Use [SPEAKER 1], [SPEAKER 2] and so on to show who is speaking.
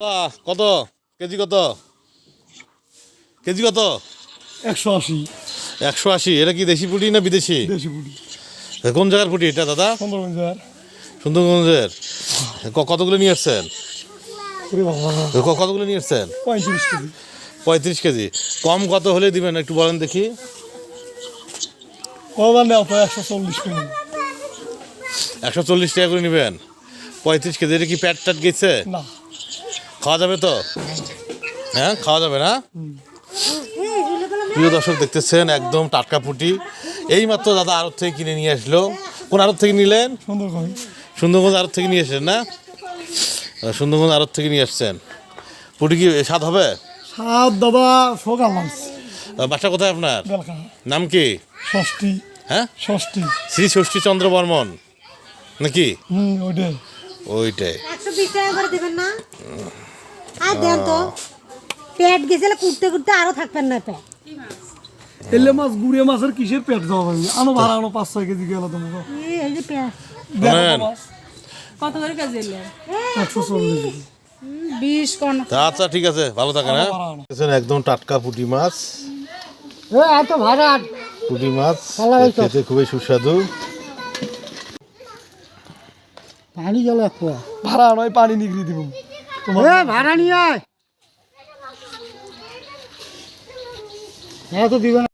[SPEAKER 1] কত কেজি? কত কেজি? কত?
[SPEAKER 2] 180।
[SPEAKER 1] 180। এটা কি দেশি পুঁটি না বিদেশি?
[SPEAKER 2] দেশি পুঁটি।
[SPEAKER 1] কোন জায়গার পুঁটি এটা দাদা?
[SPEAKER 2] সুন্দরগঞ্জের।
[SPEAKER 1] সুন্দরগঞ্জের। কতগুলো নিয়ে আসছেন?
[SPEAKER 2] ওরে বাবা,
[SPEAKER 1] কতগুলো নিয়ে আসছেন?
[SPEAKER 2] 35 কেজি।
[SPEAKER 1] 35 কেজি। কম কত হলে দিবেন একটু বলেন দেখি।
[SPEAKER 2] কবার নেওয়া 140 কেজি।
[SPEAKER 1] 140 টাকা করে নেবেন। 35 কেজি। এটা কি প্যাট ট্যাট গেছে?
[SPEAKER 2] না।
[SPEAKER 1] খাওয়া যাবে তো? হ্যাঁ খাওয়া যাবে না? প্রিয় দর্শক দেখতেছেন একদম টাটকা পুঁটি। এইমাত্র দাদা আড়ত থেকে কিনে নিয়ে আসলো। কোন আড়ত থেকে নিলেন?
[SPEAKER 2] সুন্দরগঞ্জ।
[SPEAKER 1] সুন্দরগঞ্জ আড়ত থেকে নিয়ে আসলেন না? সুন্দরগঞ্জ আড়ত থেকে নিয়ে আসছেন। পুঁটি কি স্বাদ হবে?
[SPEAKER 2] সাত দাদা সকাল মাছ।
[SPEAKER 1] বাসা কোথায় আপনার?
[SPEAKER 2] বেলকা।
[SPEAKER 1] নাম কি?
[SPEAKER 2] ষষ্ঠী।
[SPEAKER 1] হ্যাঁ
[SPEAKER 2] ষষ্ঠী।
[SPEAKER 1] শ্রী ষষ্ঠী চন্দ্র বর্মন নাকি?
[SPEAKER 2] ওইটাই।
[SPEAKER 1] ওইটাই।
[SPEAKER 3] 120 টাকা করে দিবেন না? আর দেন তো। পেট গেছিলে কুটতে কুটতে আরো থাকবেন না পেট।
[SPEAKER 2] এলে মাছ গুড়িয়া মাছের কিসের পেট দেওয়া পারবি? আনো ভাড়া আনো 5-6 কেজি গেল তোমাকে।
[SPEAKER 3] এই যে পেট।
[SPEAKER 1] শোনেন,
[SPEAKER 4] কত করে কেজি এলে?
[SPEAKER 2] 140 কেজি।
[SPEAKER 4] 20 কোন?
[SPEAKER 1] আচ্ছা ঠিক আছে, ভালো থাকেন। হ্যাঁ একদম টাটকা পুঁটি মাছ।
[SPEAKER 3] এত ভাড়া।
[SPEAKER 1] পুঁটি মাছ খেতে খুবই সুস্বাদু।
[SPEAKER 3] পানি গেল একটু।
[SPEAKER 2] ভাড়া নয় পানি নিগড়ি দিব তোমার।
[SPEAKER 3] ভাড়া নিয়ে আয়। হ্যাঁ তো দিবেন।